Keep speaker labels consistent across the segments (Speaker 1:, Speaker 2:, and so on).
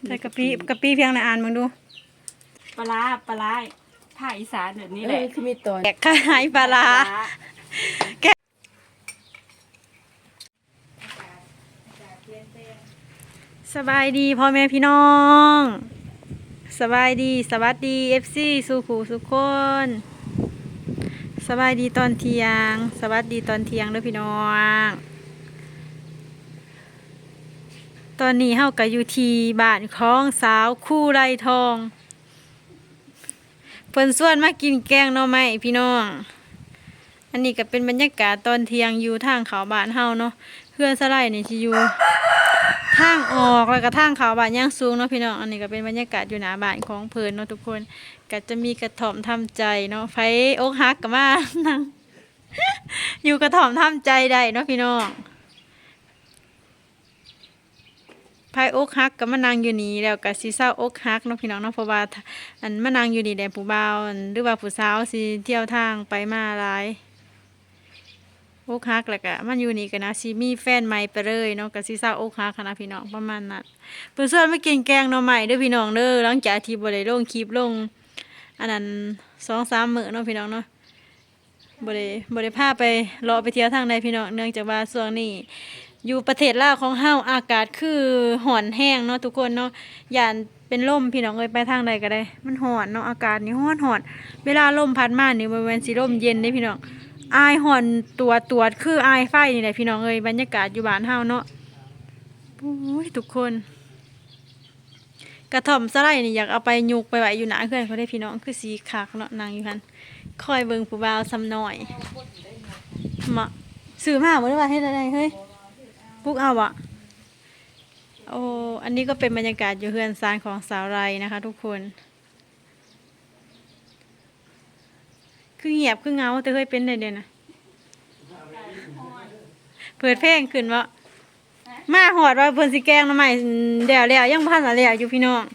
Speaker 1: ใส่กะปิเพียงในอ่านมึงดู
Speaker 2: ปลาภาคอีสานแบบนี้แหละ
Speaker 3: คือมีตอน
Speaker 1: แกะขายปลาร้าแกะสบายดีพ่อแม่พี่น้องสบายดีสวัสดี FC สุขูสุขคนสบายดีตอนเที่ยงสวัสดีตอนเที่ยงด้วยพี่น้องตอนนี้เฮาก็อยู่ที่บ้านของสาวคู่ไรทองเพิ่นส่วนมากินแกงหน่อไม้พี่น้องอันนี้ก็เป็นบรรยากาศตอนเที่ยงอยู่ทางเขาบ้านเฮาเนาะเพื่อนสไลด์นี่สิอยู่ทางออกแล้วก็ทางเขาบ้านย่างสูงเนาะพี่น้องอันนี้ก็เป็นบรรยากาศอยู่หน้าบ้านของเพิ่นเนาะทุกคนก็จะมีกระถ่อมทำใจเนาะไผอกหักก็มานั่ง อยู่กระถ่อมทำใจได้เนาะพี่น้องไผอกหักก็มานั่งอยู่นี่แล้วก็สิเศร้าอกหักเนาะพี่น้องเนาะเพราะว่าอันมานั่งอยู่นี่แดผู้บ่าวหรือว่าผู้สาวสิเที่ยวทางไปมาหลายอกหักแล้วก็มันอยู่นี่ก็นะสิมีแฟนใหม่ไปเลยเนาะก็สิเศร้าอกหักนะพี่น้องประมาณนั้นเพิ่นชวนมากินแกงหน่อไม้เด้อพี่น้องเด้อหลังจากที่บ่ได้ลงคลิปลงอันนั้น 2-3 มื้อเนาะพี่น้องเนาะบ่ได้พาไปเลาะไปเที่ยวทางใดพี่น้องเนื่องจากว่าช่วงนี้อยู่ประเทศลาวของเฮาอากาศคือร้อนแห้งเนาะทุกคนเนาะย่านเป็นลมพี่น้องเอ้ยไปทางใดก็ได้มันร้อนเนาะอากาศนี่ร้อนเวลาลมพัดมานี่บ่แม่นสิลมเย็นเด้พี่น้องอายร้อนตัวคืออายไฟนี่แหละพี่น้องเอ้ยบรรยากาศอยู่บ้านเฮาเนาะโอ้ยทุกคนกระท่อมสไลด์นี่อยากเอาไปยุกไปไว้อยู่หน้าเพื่อนเขาได้พี่น้องคือสีคักเนาะนางอยู่หั่นคอยเบิ่งผู้บ่าวซ้ำน้อยมาซื้อมาบ่ได้ว่าเฮ็ดอะไรเฮ้ยปุ๊กเอาบ่โอ้อันนี้ก็เป็นบรรยากาศอยู่เฮือนซานของสาวไรนะคะทุกคนคือเงียบคือเงาแต่เคยเป็นได้เด่นนะเปิดเพลงขึ้นวะมาหอดว่าเพิ่นสิแกงหน่อไม้เดี๋ยวยังพันอะไรอยู่พี่น้อง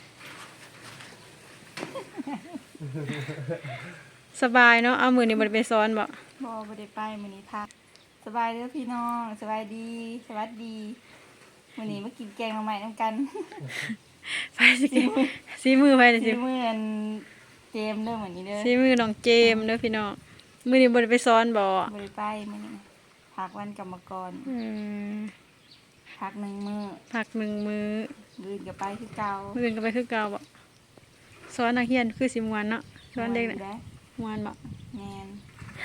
Speaker 1: สบายเนาะเอามือนี่บ่ได้ไปซ้อนบ่
Speaker 2: ได้ไปมื้อนี้พักสบายเด้อพี่น้องสบายดีสวัสดีมื้อนี้มากินแกงหน่อไม้นำกัน
Speaker 1: ไปสิซีมือไปเลยสิ
Speaker 2: มื้ออันเจมเด้อมื้อนี้เด้อ
Speaker 1: ซีมือน้องเจมเด้อพี่น้องมือนี่บ่ได้ไปซ้อนบ่
Speaker 2: ได้ไปมื้อนี้พักวันกรรมกรพัก1 มื้อ
Speaker 1: พัก1 มื้อ
Speaker 2: มื้อก็ไปคือเก่า
Speaker 1: มื้ออื่นก็ไปคือเก่าบ่ซ้อนนักเรียนคือสิม่วนเนาะซ้อนเด็กน่ะม่วนบ่
Speaker 2: แม่น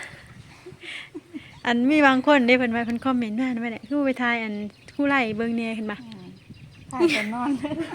Speaker 1: อันมีบางคนได้เพิ่นว่าเพิ่นคอมเมนต์ว่านั่นแหละคือไปทายอันคู่ไล่เบิ่งแหน่เห็นบ่
Speaker 2: ถ่ายกันนอน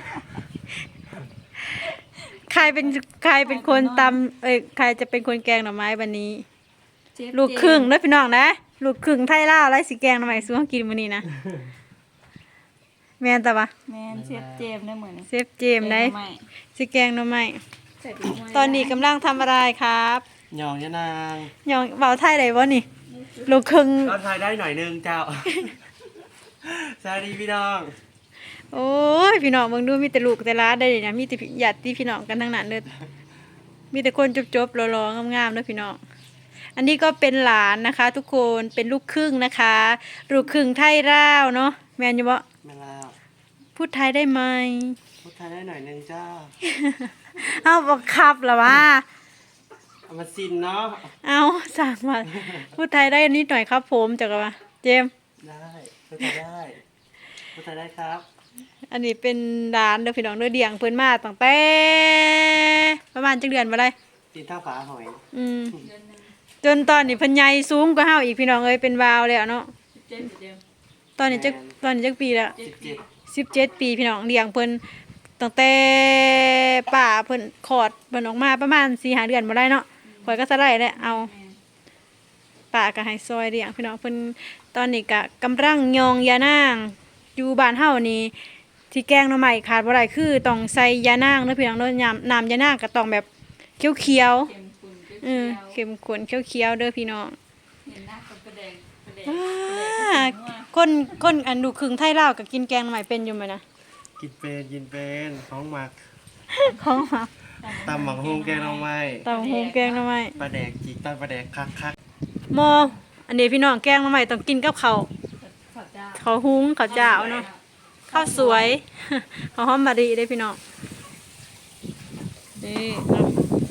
Speaker 1: ใครเป็นคนตำใครจะเป็นคนแกงหน่อไม้วันนี้ลูกครึ่งเด้อพี่น้องนะลูกครึ่งไทยลาวแล้วสิแกงหน่อไม้สู้เฮากินมื้อนี้นะแม่นตะบ่
Speaker 2: แม่นเชฟเจมได้เหมือน
Speaker 1: เชฟเจมได้สิแกงหน่อไม้ตอนนี้กำลังทำอะไรครับ
Speaker 3: หยองยะนาง
Speaker 1: หยองเว้าไทยได้บ่นี่ลูกครึ่ง
Speaker 3: ก็ไทยได้หน่อยนึงเจ้าสวัสดีพี่น้อง
Speaker 1: โอ้ยพี่น้องเบิ่งดูมีแต่ลูกแต่หลานได้นะมีแต่ญาติพี่น้องกันทั้งนั้นเด้อมีแต่คนจบๆหล่อๆงามๆเด้อพี่น้องอันนี้ก็เป็นหลานนะคะทุกคนเป็นลูกครึ่งนะคะลูกครึ่งไทยลาวเนาะแม่นอยู่บ่
Speaker 3: แม่นแล้ว
Speaker 1: พูดไทยได้ไหม
Speaker 3: พูดไทยได้หน่อยนึงเจ้า
Speaker 1: เอาบังคับเหรอวะ
Speaker 3: เอามาซินเนาะ
Speaker 1: เอาสั่งมาพูดไทยได้นิดหน่อยครับผมจักรวะเจม
Speaker 3: ได้พูดไทยได้พูดไทยได้ครับ
Speaker 1: อันนี้เป็นร้านเด้อพี่น้องเด้อเดียงเพิ่นมาตั้งแต่ประมาณจักเดือนบ่ได้
Speaker 3: ตีนเท่าฝาหอย
Speaker 1: จนตอนนี้เพิ่นใหญ่สูงกว่าเฮาอีกพี่น้องเอ้ยเป็นวาวแล้วเนาะตอนนี้จักปีแล้ว17 ปีพี่น้องเลี้ยงเพิ่นตั้งแต่ป้าเพิ่นคลอดเพิ่นออกมาประมาณ 4-5 เดือนบ่ได้เนาะข่อยก็สะได้แหละเอาป้าก็ให้ซอยเลี้ยงพี่น้องเพิ่นตอนนี้ก็กำลังยองยานางอยู่บ้านเฮานี่ที่แกงหน่อไม้ขาดบ่ได้คือต้องใส่ยานางเด้อพี่น้องเด้อน้ำยานางก็ต้องแบบเขียวๆเข้มข้นเขียวๆเด้อพี่น้องคนอันดูครึ่งไทยลาวก็กินแกงหน่อไม้เป็นอยู่มั้ยนะ
Speaker 3: กินเป็นของหมักตำหมักฮงแกงหน่อไม้
Speaker 1: ตำฮงแกงหน่อไม้
Speaker 3: ปลาแดกจิกตำปลาแดกคัก
Speaker 1: มออันนี้พี่น้องแกงหน่อไม้ต้องกินกับข้าวหุงข้าวเจ้าเนาะข้าวสวย ข้าวหอมมะลิได้พี่น้องนี่เนาะ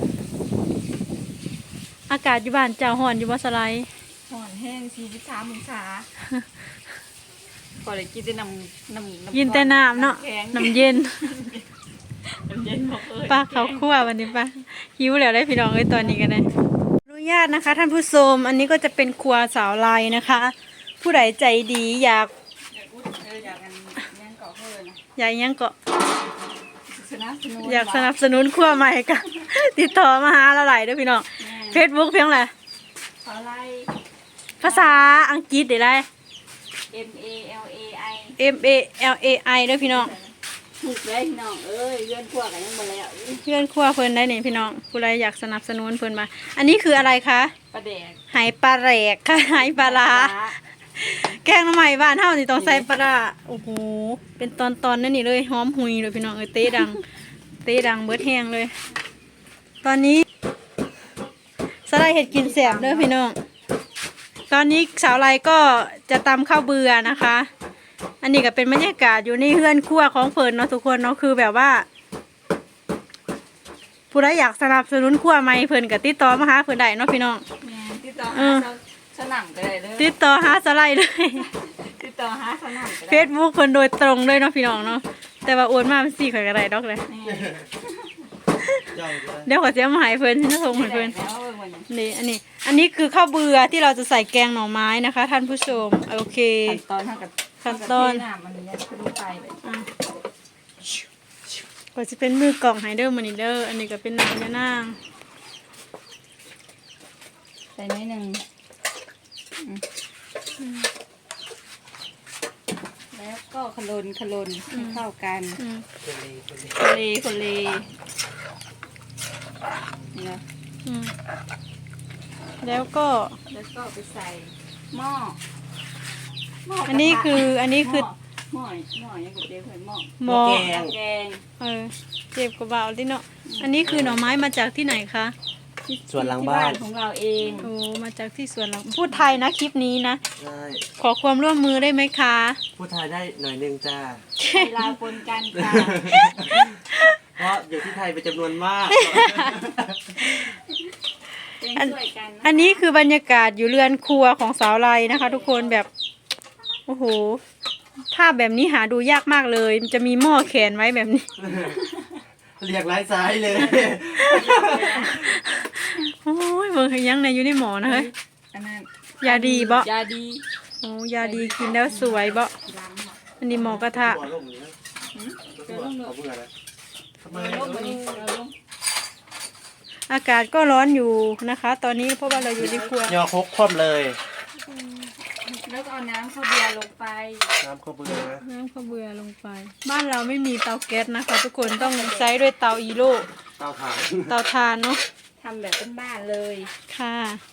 Speaker 1: อากาศอยู่บ้านเจ้าฮ้อนอยู่บ่สไลด์
Speaker 2: ห่อนแห้ง43องศาพอได้กินแต่น้ำ
Speaker 1: ยินแต่น้ำเนาะ
Speaker 2: แข็ง
Speaker 1: น้ำเย็น
Speaker 2: น้ำเย็นบอกเอ้ย
Speaker 1: ป้าเขาคั่ววันนี้ป้าหิวแล้วได้พี่น้องเอ้ยตอนนี้กันเลยอนุญาตนะคะ ท่านผู้ชมอันนี้ก็จะเป็นครัวสาวลายนะคะ ผู้ใดใจดีอยาก
Speaker 2: อยากกันยังเกาะเพิ่นนะ
Speaker 1: อยากยังก็
Speaker 2: สนับสนุน
Speaker 1: อยากสนับสนุนครัวใหม่ก็ ติดต่อมาหาเราหลายเด้อพี่น้อง Facebook เพียงไร
Speaker 2: ขอไล่
Speaker 1: ภาษาอังกฤษได้ไร
Speaker 2: MALAI
Speaker 1: MALAI เด้อพี่น้อง
Speaker 2: ถูกเลยพี่น้องเอ้ยเลื่อนพวกกันยังบ่แล้ว
Speaker 1: เพื่อนครัวเพิ่นได้นี่พี่น้องผู้ใดอยากสนับสนุนเพิ่นมา อันนี้คืออะไรคะ
Speaker 2: ประแดก
Speaker 1: ไหปลาแหลกค่ะไหปลาร้าแกงหน่อไม้บ้านเฮานี่ต้องใส่ปลาร้าโอ้โหเป็นตอนๆนั่นนี่เลยหอมหุยเลยพี่น้องเอ้ยเตะดัง เตะดังเบิดแห้งเลย ตอนนี้สไลด์เห็ดกินแสบเด้อพี่น้องตอนนี้สาวไรก็จะตำข้าวเบื่อนะคะ อันนี้ก็เป็นบรรยากาศอยู่ในเฮือนครัวของเพิ่นเนาะทุกคนเนาะคือแบบว่า ผู้ใดอยากสนับสนุนครัวใหม่เพิ่นก็ติดต่อมาหาเพิ่นได้เนาะพี่น้อง
Speaker 2: แม่ติดต่อ
Speaker 1: เอ
Speaker 2: หา
Speaker 1: อ
Speaker 2: สนั่งไปเลยเลย
Speaker 1: ติดต่อหาสไลด์เลย
Speaker 2: ติดต่อหาสนั่งไป
Speaker 1: เฟซบุ๊กเพิ่นโดยตรงเลยเนาะพี่น้องเนาะแต่ว่าโอนมาเป็น4ข่อยก็ได้ดอกเลย
Speaker 3: เจ้าจะได้
Speaker 1: เดี๋ยวขอเสียมาให้เพิ่นสิส่งให้เพิ่น
Speaker 2: แล้ววันนี้
Speaker 1: นี่อันนี้คือข้าวเบื่อที่เราจะใส่แกงหน่อไม้นะคะ ท่านผู้ชมโอเค
Speaker 2: ขั้นตอนเท่ากับ
Speaker 1: ขั้นตอน
Speaker 2: น้ำมันเนี่ยคือลูกไปเลย
Speaker 1: อ่ะก็จะเป็นมือกล่องไฮเดอร์มานิเดอร์อันนี้ก็เป็นน้ำยะนาง
Speaker 2: ใส่นิดนึงแล้วก็ขลนให้เข้ากัน
Speaker 1: อืม
Speaker 2: คนเลเนี่ย
Speaker 1: อืมแล้วก็
Speaker 2: แล้วก็ไปใส่หม้อ
Speaker 1: อันนี้คือ
Speaker 2: หม้อยังกับเจ๊เผยหม้อ
Speaker 1: หมอ
Speaker 2: แกง
Speaker 1: เจ็บกว่าเบาดิเนาะอันนี้คือหน่อไม้มาจากที่ไหนคะ
Speaker 3: ส่วนหลัง
Speaker 2: ที่
Speaker 3: บ้าน
Speaker 2: ของเราเอง
Speaker 1: โอ้มาจากที่สวนหลังพูดไทยนะคลิปนี้นะ
Speaker 3: ใช่
Speaker 1: ขอความร่วมมือได้ไหมคะ
Speaker 3: พูดไทยได้หน่อยหนึงจ้า
Speaker 2: เวลาปนกันค่ะ
Speaker 3: เพราะอยู่ที่ไทยเป็นจำนวนมาก
Speaker 2: เป็นช่วยกันนะ
Speaker 1: อันนี้คือบรรยากาศอยู่เรือนครัวของสาวไรนะคะ ทุกคนแบบโอ้โหภาพแบบนี้หาดูยากมากเลยมันจะมีหม้อแขวนไว้แบบนี้
Speaker 3: เรียกไร้ซ้ายเลย
Speaker 1: โอ้ยเบิ่งให้ยังในอยู่ในหมอนะเฮ้ย
Speaker 2: อันนั้น
Speaker 1: ยาดีบ่
Speaker 2: ยาดี
Speaker 1: โอ้ยาดีกินแล้วสวยบ่
Speaker 2: ล้างหมด
Speaker 1: อันนี้หมอกระทะ
Speaker 3: หัวลงอย่างนี้นะเอาเบื่อนะทำไม
Speaker 2: ลงมานี่เราลง
Speaker 1: อากาศก็ร้อนอยู่นะคะ ตอนนี้เพราะว่าเราอยู่ในครัวย
Speaker 3: อคกคว่ำเลย
Speaker 2: แล้วก็เอาน้ำข้าวเบียร์ลงไป
Speaker 3: น้ำข้าวเบื่อนะ
Speaker 1: น้ำข้าวเบื่อลงไป บ้านเราไม่มีเตาแก๊สนะคะ ทุกคนต้องใช้ด้วยเตาอีโร่
Speaker 3: เตาถ่าน
Speaker 1: เตาถ่านเนาะ
Speaker 2: ทำแบบบ้านๆเลย
Speaker 1: ค่ะ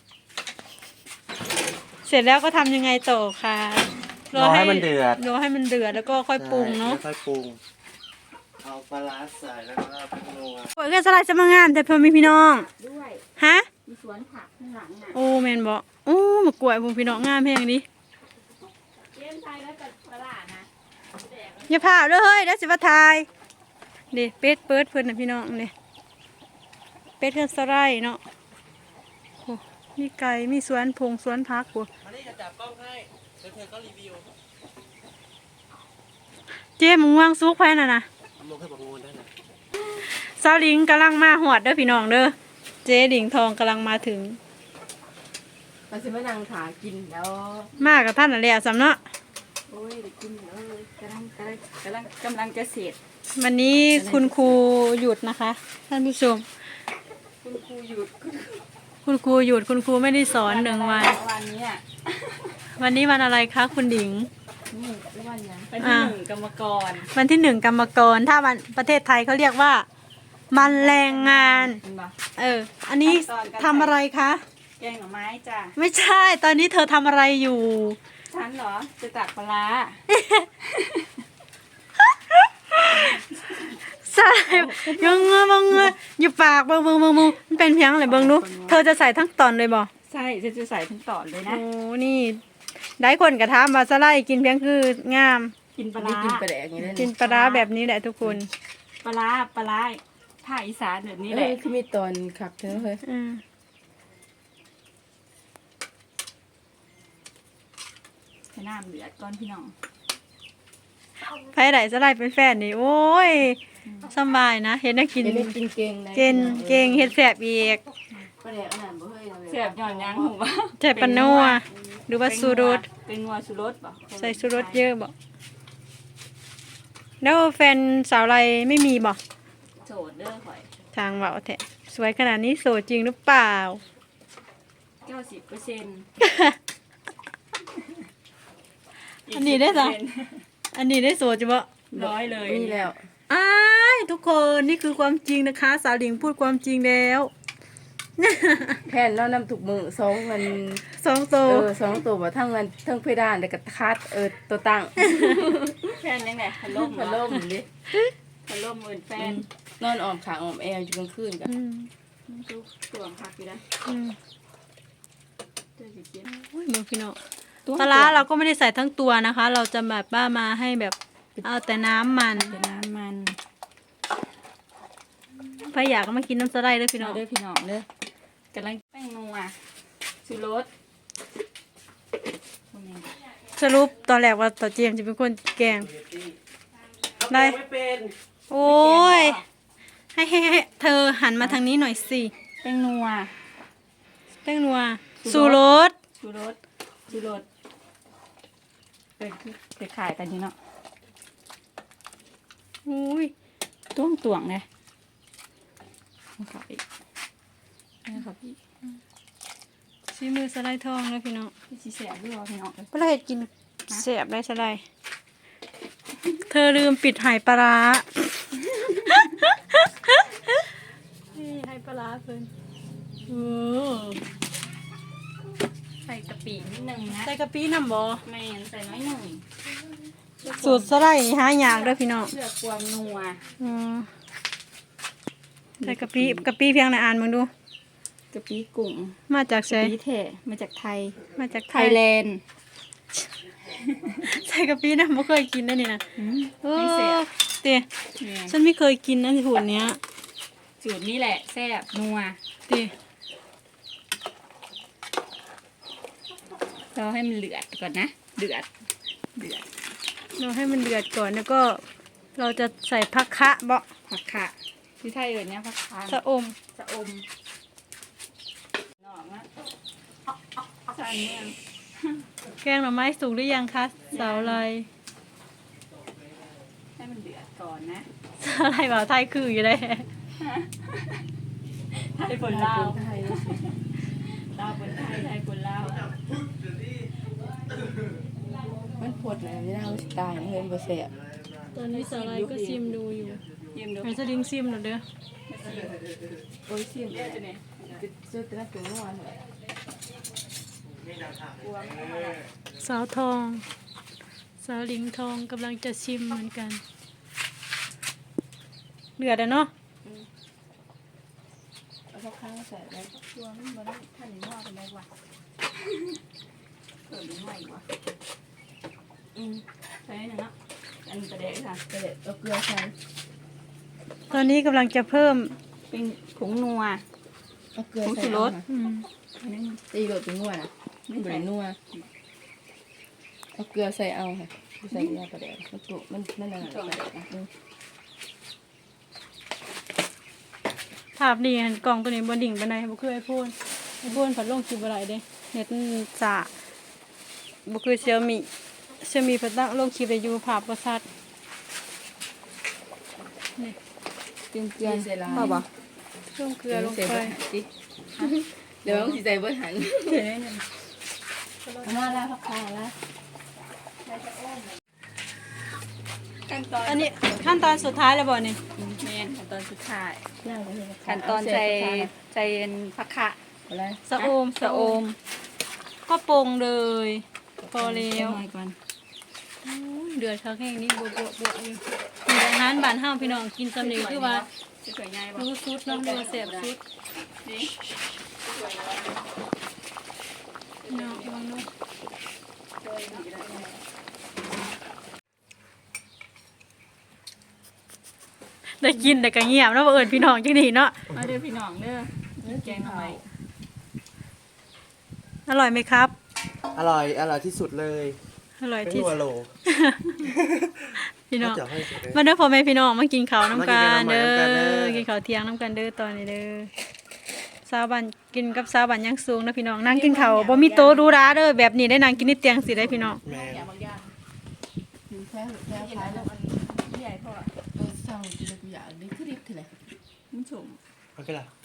Speaker 1: เสร็จแล้วก็ทำยังไงต่อคะ
Speaker 3: รอให้มันเดือด
Speaker 1: รอให้มันเดือดแล้วก็ค่อยปรุงเนาะ
Speaker 3: ใช่ค่อยปรุง เอาปลาร้าใส่แล้วก็เอาพริกนัว
Speaker 1: โอ้ยก็สลายจะมางานแต่เพิ่มมีพี่น้อง
Speaker 2: ด้วย
Speaker 1: ฮะ
Speaker 2: มีสวนผักข้างหลังน่ะ
Speaker 1: โอ้แมนบอกโอ้มากล้วยพวกพี่น้องงามแพงดิ
Speaker 2: เลี้ยงไทยแล้วแต่ตลาดนะ
Speaker 1: อย่าพาเด้อเฮ้ยเดี๋ยวสิว่าทายเด็เป็ดเปิดเพิ่นน่ะพี่น้องเด้เป็ดเพิ่นสไลด์เนาะโอ้มีไก่มีสวนพงสวนพักกู
Speaker 3: มานี่จะจับกล้องให้เดี๋ยวเธอก็รีวิว
Speaker 1: เจ๊มึงวางซุกไว้น่ะนะ
Speaker 3: เอาลงให้บอกงูได้นะ
Speaker 1: สาวลิงกำลังมาหอดเด้อพี่น้องเด้อเจ๊ดิงทองกำลังมาถึง
Speaker 2: มันจะไม่นางขากินแล้ว
Speaker 1: มากับท่านน่ะแหละสำเนาะ
Speaker 2: โอ้ยได้กินแล้วกำลังจะเสร็จ
Speaker 1: วันนี้คุณครูหยุดนะคะ ท่านผู้ชม
Speaker 2: คุณครูหยุด
Speaker 1: คุณครูหยุดคุณครูไม่ได้สอนหนึ่งวัน
Speaker 2: วันนี้อ่ะ
Speaker 1: วันนี้วันอะไรคะคุณดิง
Speaker 2: นี่คือวันยังเป็นที่หนึ่งกรรมกร
Speaker 1: วันที่1กรรมกรถ้าวันประเทศไทยเขาเรียกว่ามันแรงงาน
Speaker 2: เห็นปะ
Speaker 1: อันนี้ทำอะไรคะ
Speaker 2: แกงหน่อไม้จ้ะ
Speaker 1: ไม่ใช่ตอนนี้เธอทำอะไรอยู่
Speaker 2: ฉันเหรอจะตักปลาร้า
Speaker 1: ใส่ยังเงยบังเงยอยู่ปากบังมันเป็นเพียงอะไรเบังดูเธอจะใส่ทั้งตอนเลยบ่
Speaker 2: ใช่จะใส่ทั้งตอนเลยนะ
Speaker 1: โอ้นี่ได้คนกระทำมาสไลด์กินเพียงคืองาม
Speaker 2: กินปลา
Speaker 4: ได้
Speaker 2: ร้า
Speaker 4: กินปลาแดกอย่างนี้ได้
Speaker 1: กินปลาร้าแบบนี้แหละทุกคน
Speaker 2: ปลาร้าภาคอีสานแบบนี้
Speaker 4: นี่
Speaker 2: แห
Speaker 4: แห
Speaker 2: ละ
Speaker 4: ละคือมีตอนขับเธอเฮ้ย
Speaker 1: อืม
Speaker 2: ให้น้ำเดือดก่อนพี่น้อง
Speaker 1: ไผไหนจะไล่เป็นแฟนนี่โอ้ยสำบายนะเฮ็ดให้กิน
Speaker 4: เดี๋ยวได้กินเก่งนะ
Speaker 1: เก่งเก่งเฮ็ดแซ่บอีก
Speaker 4: ปลาแดกอันนั้นบ่เฮ้ยนะ
Speaker 2: เสียบหย่อนยังผมว่า
Speaker 1: ใส่ปลานัวหรือว่าสูรส
Speaker 2: เป็นงัวสูรสป่ะ
Speaker 1: ใส่สูรสเยอะบ่แล้วแฟนสาวไรไม่มีบ่
Speaker 2: โสดเด้อข่อย
Speaker 1: ทางเว้าแท้สวยขนาดนี้โสดจริงหรือเปล่า
Speaker 2: 90%
Speaker 1: อันนี้ได้จ้ะ อันนี้ได้โสดจ้ะบ่
Speaker 2: ร้อยเลย
Speaker 4: นี่แล้ว
Speaker 1: อ้ายทุกคนนี่คือความจริงนะคะ สาวหลิงพูดความจริงแล้ว
Speaker 4: แทนเรานำถูกมือ2มัน
Speaker 1: สองโต
Speaker 4: 2ตัวบ่ทั้งเงินทั้งเพดานแล้วก็คัดตัวตั้ง
Speaker 2: แฟนยังไงพัดลม
Speaker 4: พัดลมดิ
Speaker 2: พัดลมเหมือนแฟน
Speaker 4: นอนออมขางออมแอวอยู่กลางคืนกัน
Speaker 1: อืม
Speaker 2: ทุกตัวผักอยู่นะ
Speaker 1: อืม
Speaker 2: เจ้าสิกิน
Speaker 1: โอ้ยมึงพี่น้องปลาร้าเราก็ไม่ได้ใส่ทั้งตัวนะคะ เราจะแบบว่ามาให้แบบเอาแต่น้ำมัน
Speaker 2: เป็นน้ำมัน
Speaker 1: ใครอยากก็มากินน้ำสไลด์เลยพี่น้
Speaker 2: เอา
Speaker 1: อง
Speaker 2: เด้อพี่น้องเด้อกำลังแป้งนัวสูรส
Speaker 1: สรุปตอนแรกว่าต่อเจมส์จะเป็นคนแกง ได้
Speaker 3: ไม่เป็น
Speaker 1: โอ้ยให้เธอหันมาทางนี้หน่อยสิ
Speaker 2: แป้งนัว
Speaker 1: แป้งนัว
Speaker 2: สู
Speaker 1: สู
Speaker 2: ร
Speaker 1: รส
Speaker 2: สูรสเป็นคือจะขายกันอยู่เนาะ
Speaker 1: อุ้ย
Speaker 2: ตวงไงเอาเขาอีกเอาเขาอีก
Speaker 1: ซีมือสไลด์ทองเลยพี่น้อง
Speaker 2: พี่ชีเสียด้วยพี่น้อง
Speaker 1: เวลาเห็ดกินเสียบได้สไลด์เธอลืมปิดไหปลาร้านี่ไหปลาร้าเพิ่นโอ้
Speaker 2: ใส่กะปินิดนึงนะ
Speaker 1: ใส่กะปิน้ำบ่
Speaker 2: แม่นใส่น้อยหน่อย
Speaker 1: สูตรสไลด์นี่หายากเด้อพี่น้อง
Speaker 2: เพื่อความนัว
Speaker 1: อืมใส่กะปิเพียงในอ่านมึงดู
Speaker 2: กะปิกุ้ง
Speaker 1: มาจาก
Speaker 2: กะ
Speaker 1: ไส
Speaker 2: ปิแท้มาจากไทย
Speaker 1: มาจาก
Speaker 2: ไทยแลนด์
Speaker 1: ใส่กะปินะไม่เคยกินนะนี่นะโอ้
Speaker 2: ไม่เสีย
Speaker 1: เตี๋ย
Speaker 2: เนี่ย
Speaker 1: ฉันไม่เคยกินนะที่หุ่นเนี้ย
Speaker 2: สูตรนี้แหละแซ่บนัว
Speaker 1: เตี๋ย
Speaker 2: เราให้มันเดือดก่อนนะเดือด
Speaker 1: เราให้มันเดือดก่อนแล้วก็ เราจะใส่ผักคะเบาะ
Speaker 2: ผักคะที่ไทยเอ่ยเนี่ยผักคะ
Speaker 1: สะอม
Speaker 2: สะอมนอกนะใส่เนี่ย
Speaker 1: แกงหน่อไม้สุกหรือยังคะสาวอะไร
Speaker 2: ให้มันเดือดก่อนนะ
Speaker 1: สาวอะไรบ่าวไทยคืออยู่เลย
Speaker 2: ไทยบนลาว
Speaker 4: ไทย
Speaker 2: ลาวบนไทยไทยบนลาว
Speaker 4: มันปวดนะไม่ได้เอาสิตายนะเฮ้ยบ่แซ่บ
Speaker 1: ตอนนี้สาวอะไรก็ซิมดูอยู่
Speaker 2: ยืมดู
Speaker 1: ไอ้สลิงซิมหน่อยเด้อ
Speaker 4: โอ้ยซิม
Speaker 2: เลือดจะเนี่ย
Speaker 4: ซื้อแต่ละตัวเมื่อวานเลย
Speaker 2: กลัวไม่เอาละ
Speaker 1: สาวทอง สาวลิงทองกำลังจะชิมเหมือนกันเดือดอะเนาะ
Speaker 4: เอาสักครั้งใส่แล้ว
Speaker 2: กลัวไม่มาได้ท่านหนึ่งว่าเป็นไรวะเกิดหรือไม่วะใช่หนึ่งเนาะอันประเด็นค่ะ
Speaker 4: ก็เลยเอาเกลือใส่
Speaker 1: ตอนนี้กำลังจะเพิ่ม
Speaker 2: เป็นผงนัว
Speaker 4: เอาเกลือ
Speaker 2: ผง
Speaker 4: ใส่
Speaker 2: ชูรส
Speaker 1: อืม
Speaker 2: อันนี้
Speaker 4: ตีโดดเป็นนัวนะไม่เหมือนนัวเอาเกลือใส่เอาค่ะใส่ยาประเดี๋ยวมันจุมันอะไรประเดี๋ยวนะ
Speaker 1: ภาพดีหันกล่องตัวนี้บนดิ่งไปไหนบ่คือไอโฟนผัดลงคลิปอะไรเด้เน็ตมันสะบ่คือเซี่ยมี่ผัดตั้งลงคลิปได้อยู่ภาพบ่ชัดนี่
Speaker 4: เกลือใส่ลาย
Speaker 2: พ่อบอก
Speaker 1: ลงเกลือลงไป
Speaker 4: เดี๋ยวต้องใส่เบอร์หัน
Speaker 2: เดี๋ยวนึง
Speaker 4: เอามาแล้วพักคาแล้ว
Speaker 2: ขั้นตอน
Speaker 1: อันนี้ขั้นตอนสุดท้ายแล้วบ่นี่
Speaker 2: เมนขั้นตอนสุดท้าย
Speaker 4: ย่างไปเลย
Speaker 2: ขั้นตอนใจเย็นผักคะ
Speaker 4: อะไร
Speaker 1: สะโอม
Speaker 2: สะโอม
Speaker 1: ก็ปรุงเลย พอแล้ว
Speaker 2: หน่อยก่อน
Speaker 1: โอ้ยเดือดคักแห้งนี่บวบอยู่มีอาหารบ้านเฮาพี่น้องกินสำเร็จคือว่า
Speaker 2: สวยง่ายป่ะ
Speaker 1: รู้สุดเนาะเดือแซ่บสุด
Speaker 2: นี่สวยง่าย
Speaker 1: เนาะลองดูได้กินแต่ก็เงียบเนาะบ่เอิ้นพี่น้องจังนี้เนาะ
Speaker 2: มาเด้อพี่น้องเด้อแกงหน่อไม้
Speaker 1: อร่อยไหมครับ
Speaker 3: อร่อยที่สุดเลย
Speaker 1: อร่อย
Speaker 3: เป็น
Speaker 1: ที่
Speaker 3: หัวโหล
Speaker 1: พี่น้อง
Speaker 3: เดี๋ยวให้สุดเลย
Speaker 1: มาเด้อพ่อแม่พี่น้องมากินข้าวน้ำกัน
Speaker 3: มากิ
Speaker 1: เด้
Speaker 3: นข้าวน้ำกันเด้
Speaker 1: อ
Speaker 3: อ
Speaker 1: กินข้าวเที่ยงน้ำกันเด้อตอนนี้เด้อสาวบ้านกินกับสาวบ้านยังสูงนะพี่น้องนั่งกินข้าวบ่มีโต๊ะดูร้าเด้อแบบนี้ได้นั่งกินในเตียงสิได้พี่น้อง
Speaker 3: แมน
Speaker 2: อย่างบางอย่าง
Speaker 4: กินแค่แค่
Speaker 2: กิน
Speaker 4: พาย
Speaker 2: แล้
Speaker 4: แล้ว ว
Speaker 2: มันใหญ่พอ
Speaker 4: เศร้ากินแล้วกูอยากได้คือดิบเท่าไหร่
Speaker 2: มันสุ่ม
Speaker 3: โอเคล่ะ